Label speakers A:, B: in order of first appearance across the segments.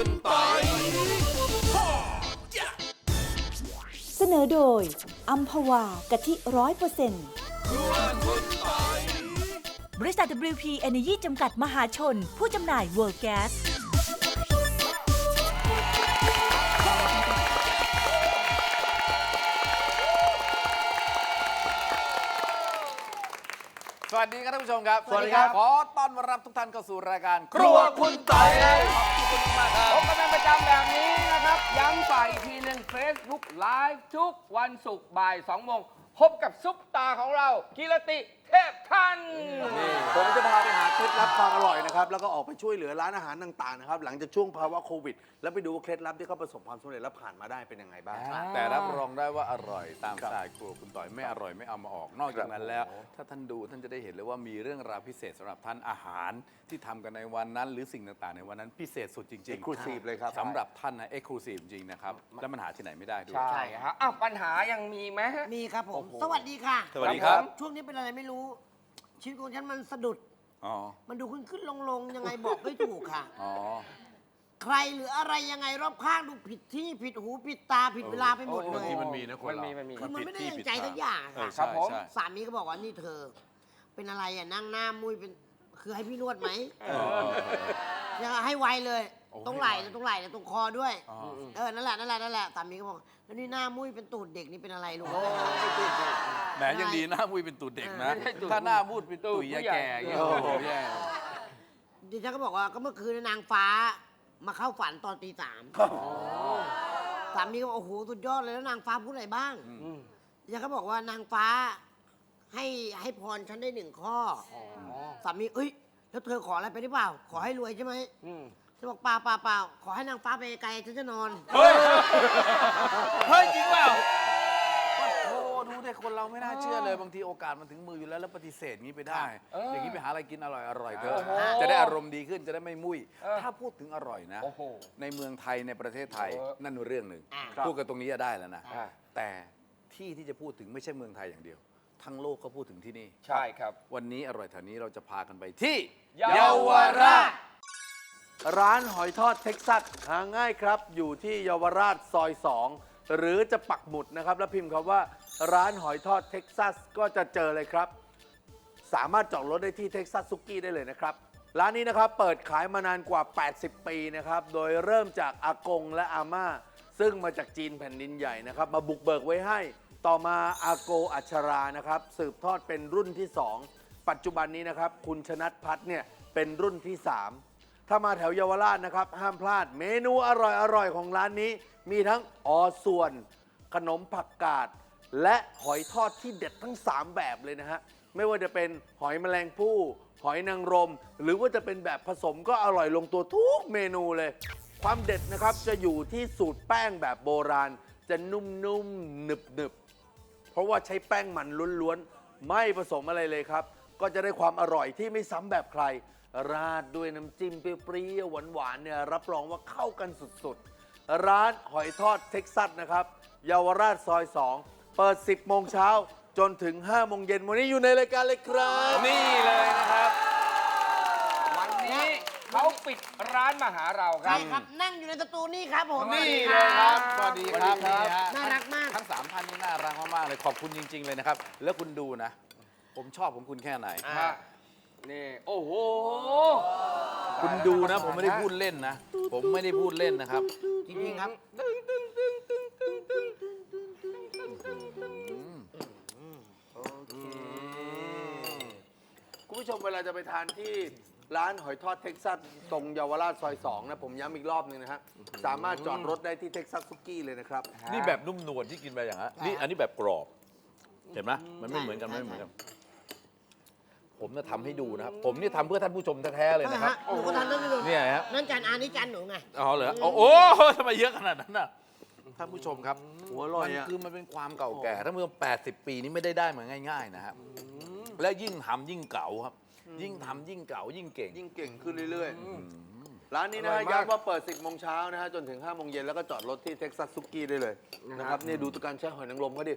A: คุณปอย
B: เสนอโดยอัมพวากะทิ100%บริษัท WP Energy จำกัดมหาชนผู้จำหน่าย World Gas
A: สวัสดีครับท่านผู้ชมครับ
C: สวัสดีครับ
A: ขอต้อนรับทุกท่านเข้าสู่รายการ
C: ครัวคุณต่อย
A: ขอบคุณมากครับ
C: พบกันเป็นประจำแบบนี้นะครับ ย้ำฝ่ายอีกทีหนึ่ง Facebook Live ทุกวันศุกร์บ่าย 2 โมง พบกับซุปตาของเรากิรติเทพทัน
D: ผมจะพาไปหาเคล็ดลับความอร่อยนะครับแล้วก็ออกไปช่วยเหลือร้านอาหารต่างๆนะครับหลังจากช่วงภาวะโควิด แล้วไปดูว่าเคล็ดลับที่เขาประสบความสำเร็จและผ่านมาได้เป็นยังไงบ้าง
A: แต่รับรองได้ว่าอร่อยตามสไตล์ครัวคุณต่อยไม่อร่อยไม่เอามาออกนอกจากนั้นแล้ว ถ้าท่านดูท่านจะได้เห็นเลยว่ามีเรื่องราวพิเศษสำหรับท่านอาหารที่ทำกันในวันนั้น หรือสิ่งต่างๆในวันนั้นพิเศษสุดจริง
D: Exclusive เลยครับ
A: สำหรับท่านนะเอ็กซ์คลูซีฟจริงๆนะครับและมันหาที่ไหนไม่ได้ด้วย
C: ใช่ครับอ้าวปัญหายังมีไหมฮะ
E: มีครับผม สวัสดีค่ะ
A: สวัสดีครับ
E: ช่วงนี้เป็นอะไรไม่รู้ ชีวิตของฉันมันสะดุด
A: อ๋อ
E: มันดูขึ้นลงยังไงบอกไม่ถูกค่ะ
A: อ๋อ
E: ใครหรืออะไรยังไงรอบข้างดูผิดที่ผิดหูผิดตาผิดเวลาไปหมดเล
A: บาง
E: ย
A: ทีมันมีนะคนเรา
C: มันมี
E: คือมันไม่ได้
A: ผิ
E: อย่าง
A: ผิ
E: ใจสักอย่าง
A: เอ
E: ค่ะ
A: อใช่ใช่
E: สามีก็บอกว่านี่เธอ เป็นอะไรอ่ะนั่งหน้ามุ้ยเป็นคือให้พี่นวดไหมยังให้ไวเลย
A: โอ้
E: ตรงไหล่ตรงไหล่ตรงคอด้วย
A: อ๋อ
E: นั่นแหละสามีก็บอกแล้วนี่หน้ามุ้ยเป็นตูดเด็กนี่เป็นอะไรลูก
A: แหมยังดีหน้ามุ้ยเป็นตูดเด็กนะ
C: ไม่ใช่ตูด
A: ถ้าหน้ามุ้ยเป็นตุ๋ยยาแก่อย่างเงี้ยโอ้โหแย่
E: ดิฉันก็บอกว่าก็เมื่อคืนนางฟ้ามาเข้าฝันตอนตี 3สามีก็บอกโอ้โหสุดยอดเลยแล้วนางฟ้าพูดอะไรบ้างดิฉันก็บอกว่านางฟ้าให้พรฉันได้1 ข้อสามีเอ้ยแล้วเธอขออะไรไปหรือเปล่า ขอให้รวยใช่ไหมฉันบอกเปล่าขอให้นางฟ้าไปไกลฉันจะนอน
A: เฮ้ย เฮ้ย จริงเปล่าโอ้ดูเด็กคนเราไม่น่าเชื่อเลยบางทีโอกาสมันถึงมืออยู่แล้วแล้วปฏิเสธงี้ไปได้ อย่างนี้ไปหาอะไรกินอร่อยเถอะจะได้อารมณ์ดีขึ้นจะได้ไม่มุ้ยถ้าพูดถึงอร่อยนะ
C: โอ้โห
A: ในเมืองไทยในประเทศไทยนั่นเรื่องหนึ่ง
E: ครับ
A: พูดกันตรงนี้จะได้แล้วนะ
C: อ่า
A: แต่ที่ที่จะพูดถึงไม่ใช่เมืองไทยอย่างเดียว ทั้งโลกก็พูดถึงที่นี่
C: ใช่ครับ
A: วันนี้อร่อยแถวนี้เราจะพากันไปที่
C: เยาวราช
D: ร้านหอยทอดเท็กซัสหาง่ายครับ อยู่ที่เยาวราชซอย 2 หรือจะปักหมุดนะครับ แล้วพิมพ์คำว่าร้านหอยทอดเท็กซัสก็จะเจอเลยครับ สามารถจอดรถได้ที่เท็กซัสซุกี้ได้เลยนะครับ ร้านนี้นะครับเปิดขายมานานกว่า 80 ปีนะครับ โดยเริ่มจากอากงและอาม่า ซึ่งมาจากจีนแผ่นดินใหญ่นะครับ มาบุกเบิกไว้ให้ ต่อมาอาโกอัชรานะครับ สืบทอดเป็นรุ่นที่ 2 ปัจจุบันนี้นะครับ คุณชนัทพัฒน์เนี่ยเป็นรุ่นที่ 3 ถ้ามาแถวเยาวราชนะครับ ห้ามพลาดเมนูอร่อยๆของร้านนี้ มีทั้งอส่วน ขนมผักกาด และหอยทอดที่เด็ดทั้ง 3 แบบเลยนะฮะ ไม่ว่าจะเป็นหอยแมลงภู่หอยนางรม หรือว่าจะเป็นแบบผสมก็อร่อยลงตัวทุกเมนูเลย ความเด็ดนะครับจะอยู่ที่สูตรแป้งแบบโบราณ จะนุ่มๆหนึบๆ เพราะว่าใช้แป้งมันล้วนๆ ไม่ผสมอะไรเลยครับ ก็จะได้ความอร่อยที่ไม่ซ้ำแบบใคร ราดด้วยน้ำจิ้มเปรี้ยวๆหวานๆเนี่ยรับรองว่าเข้ากันสุดๆ ร้านหอยทอดเท็กซัสนะครับเยาวราชซอย 2 เปิด 10 โมงเช้าจนถึง 5 โมงเย็นวันนี้อยู่ในรายการเลยครับ
A: นี่เลยนะครับ
C: วันนี้เขาปิดร้านมาหาเราครั
E: ใช่
C: บ
E: ครับนั่งอยู่ในสตูนี่ครับผม
A: นี่เลยครับ สวัสดีครับ
C: สวัสดีครับ
A: นี่ฮะ
E: น่ารักมาก
A: ทั้ง 3 ท่านนี่น่ารักมากๆเลย ขอบคุณจริง ๆ เลยนะครับ แล้วคุณดูนะ ผมชอบของคุณแค่ไหน
C: อ่ะนี่ โอ้โห
A: คุณดูนะ ผมไม่ได้พูดเล่นนะ ผมไม่ได้พูดเล่นนะครับ
E: จริงๆครับ
D: คุณผู้ชมเวลาจะไปทานที่ร้านหอยทอดเท็กซัสตรงเยาวราชซอย 2 นะ ผมย้ำอีกรอบหนึงนะฮะ สามารถจอดรถได้ที่เท็กซัสซุกี้เลยนะครับ
A: นี่แบบนุ่มนวลที่กินไปอย่างฮะนี่อันนี้แบบกรอบ เห็นไหมมันไม่เหมือนกันไม่เหมือนกัน ผมจะทำให้ดูนะครับ ผมนี่ทำเพื่อท่านผู้ชมแท้ๆเลยนะครับ
E: หนูก็ทานได้ไม่รู้
A: เนี่ยฮะ
E: นั่นจานอันนี้จานหนูไง
A: อ๋อเหรอโอ้โหทำไมเยอะขนาดนั้นน่ะท่านผู้ชมครับ
D: หัวอร่อย
A: มัน
D: อะ
A: คือมันเป็นความเก่าแก่ท่านผู้ชม80 ปีนี้ไม่ได้มาง่ายๆนะครับและยิ่งทำยิ่งเก่าครับ ยิ่งทำยิ่งเก่ายิ่งเก่ง
D: ยิ่งเก่งขึ้นเรื่อยๆ ร้านนี้นะฮะย้ำว่าเปิด 10 โมงเช้านะฮะจนถึง 5 โมงเย็นแล้วก็จอดรถที่เท็กซัสซุกี้ได้เลยนะครับนี่ดูตัวการใช้หอยนางรมเขาดิ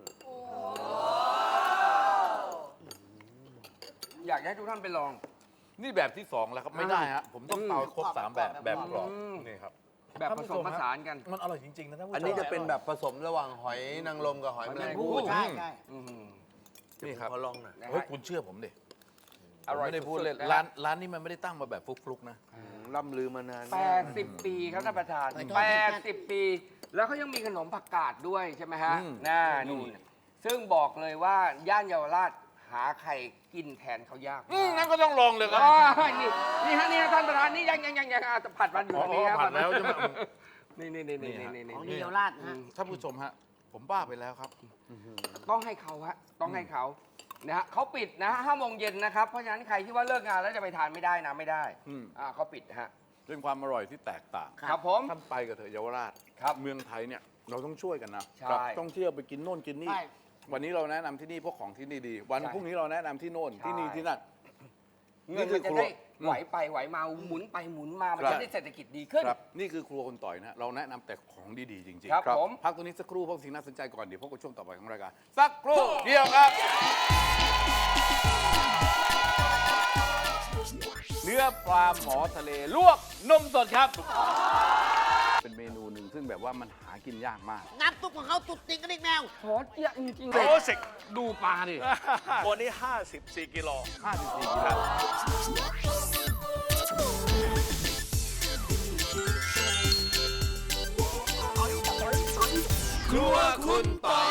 C: อยากให้ทุกท่านไปลอง
A: นี่แบบที่ 2 แล้วครับไม่ได้ฮะผมต้องเตาครบ3แบบแบบกรอบนี่ครับ
C: แบบผสมผสานกัน
A: มันอร่อยจริงๆนะท่านผู้ชม
D: อันนี้จะเป็นแบบผสมระหว่างหอยนางรมกับหอยแมลงภู่
E: ใช่ใช่
A: นี่ครับ
D: ขอลองหน่อย
A: เฮ้ยคุณเชื่อผมดิ
C: อร่อย
A: ไม่ได้พูด
C: สุดๆ
A: เล่น
C: นะ
A: ร้านนี้มันไม่ได้ตั้งมาแบบฟลุกๆนะ
D: ล่ำลือมานาน
C: 80 ปีครับท่านประธาน 80 ปี แล้วเขายังมีขนมผักกาดด้วยใช่ไหมฮะ
A: อืม
C: น่านู่นซึ่งบอกเลยว่าย่านเยาวราชหาใครกินแทนเขายาก
A: งั้นก็ต้องลองเลยครับ
C: อ๋อนี่ฮะนี่ฮะท่านประธานนี่ยังผัดมันอยู่ตรงนี้ครับ
A: ผัดแล้วใช่ไหม
C: นี่
E: ของดีเยาวราชนะฮะ
A: ท่านผู้ชมฮะผมบ้าไปแล้วครับ
C: ต้องให้เขาฮะต้องให้เขานะฮะเขาปิดนะฮะ5 โมงเย็นนะครับ เพราะฉะนั้นใครที่ว่าเลิกงานแล้วจะไปทานไม่ได้นะไม่ได้
A: อืม
C: เขาปิดฮะ
A: เป็นความอร่อยที่แตกต่าง
C: ครับผม
A: ท่านไปกับเถอะเยาวราช
C: ครับ
A: เมืองไทยเนี่ยเราต้องช่วยกันนะ
C: ใช่
A: ครับต้องเที่ยวไปกินโน่นกินนี่
E: ใช่
A: วันนี้เราแนะนำที่นี่เพราะของที่นี่ดี วัน
C: ใช่
A: พรุ่งนี้เราแนะนำที่โน่น
C: ใช่
A: ที่นี่ที่นั่น
C: เงินมันจะได้ไหวไปไหวมาหมุนไปหมุนมามัน
A: ครับ
C: จะได้เศรษฐกิจดีขึ้น
A: ครับนี่คือครัวคนต่อยนะเราแนะนำแต่ของดีๆจริงๆ
C: ครับผม
A: พักตรงนี้สักครู่เพราะสิ่งน่าสนใจก่อนเดี๋ยวพบกับช่วงต่อไปของรายการสักครู่เดียวครับ เนื้อปลาหมอทะเลลวกนมสดครับ เป็นเมนูหนึ่งซึ่งแบบว่ามันหากินยากมาก
E: น้ำซุปของเขาตุดติงกระดิ่งแมว
C: โหเยอะจริงๆเล
F: โร
C: ย
F: สิก
C: ดูปลาดิ
F: ตัวนี้ 54 กิโล
A: 54กิโลครัวคุณต่อย